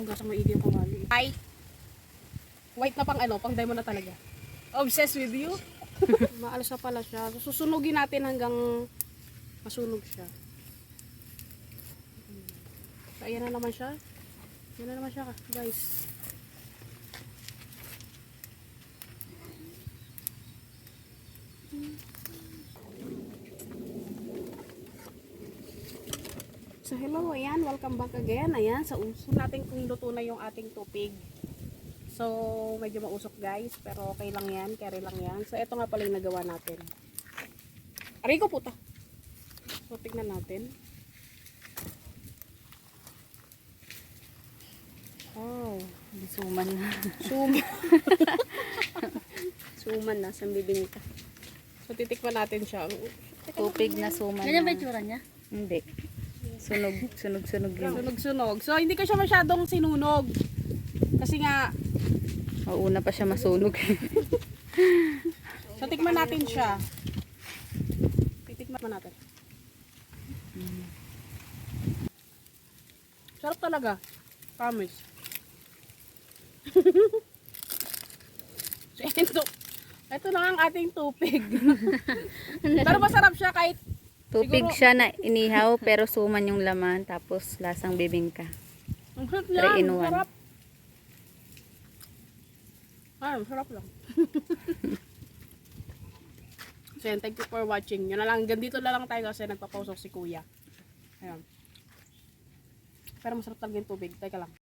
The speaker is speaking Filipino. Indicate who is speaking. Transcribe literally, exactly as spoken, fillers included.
Speaker 1: Hanggang maigi yung kawali. Ay! White na pang ano, pang diamond na talaga. Obsessed with you? Maalas na pala siya. Susunugin natin hanggang masunog siya. So, ayan na naman siya. Ayan na naman siya, guys. So hello, ayan, welcome back again. Ayan, sa uso natin kung luto na yung ating tupig. So, medyo mausok guys, pero okay lang yan, carry lang yan. So, ito nga pala yung nagawa natin. Aray ko puta. So, tignan natin. Oh,
Speaker 2: Suman na.
Speaker 1: suman.
Speaker 2: Suman na, sa bibing ka.
Speaker 1: So, titikman natin siya.
Speaker 2: Tupig na suman
Speaker 3: Ganyan ba
Speaker 2: na.
Speaker 3: yung tsura niya?
Speaker 2: Hindi. Sunog, sunog, sunog yun.
Speaker 1: Sunog-sunog. So, hindi ko siya masyadong sinunog. Kasi nga,
Speaker 2: Mauna pa siya masunog.
Speaker 1: so, tikman natin siya. Titikman natin. Sarap talaga. Promise. So, ito, ito lang ang ating tupig. Pero masarap siya kahit
Speaker 2: Tupig
Speaker 1: siguro-
Speaker 2: siya na inihaw pero suman yung laman tapos lasang bibingka.
Speaker 1: ang sarap
Speaker 2: Three
Speaker 1: niya.
Speaker 2: in one.
Speaker 1: Sarap. Ay, sarap lang. So, yan, thank you for watching. Yun na lang. Ganito na lang tayo kasi nagpapausok si kuya. Ayan. Pero masarap talaga yung tubig. Teka lang.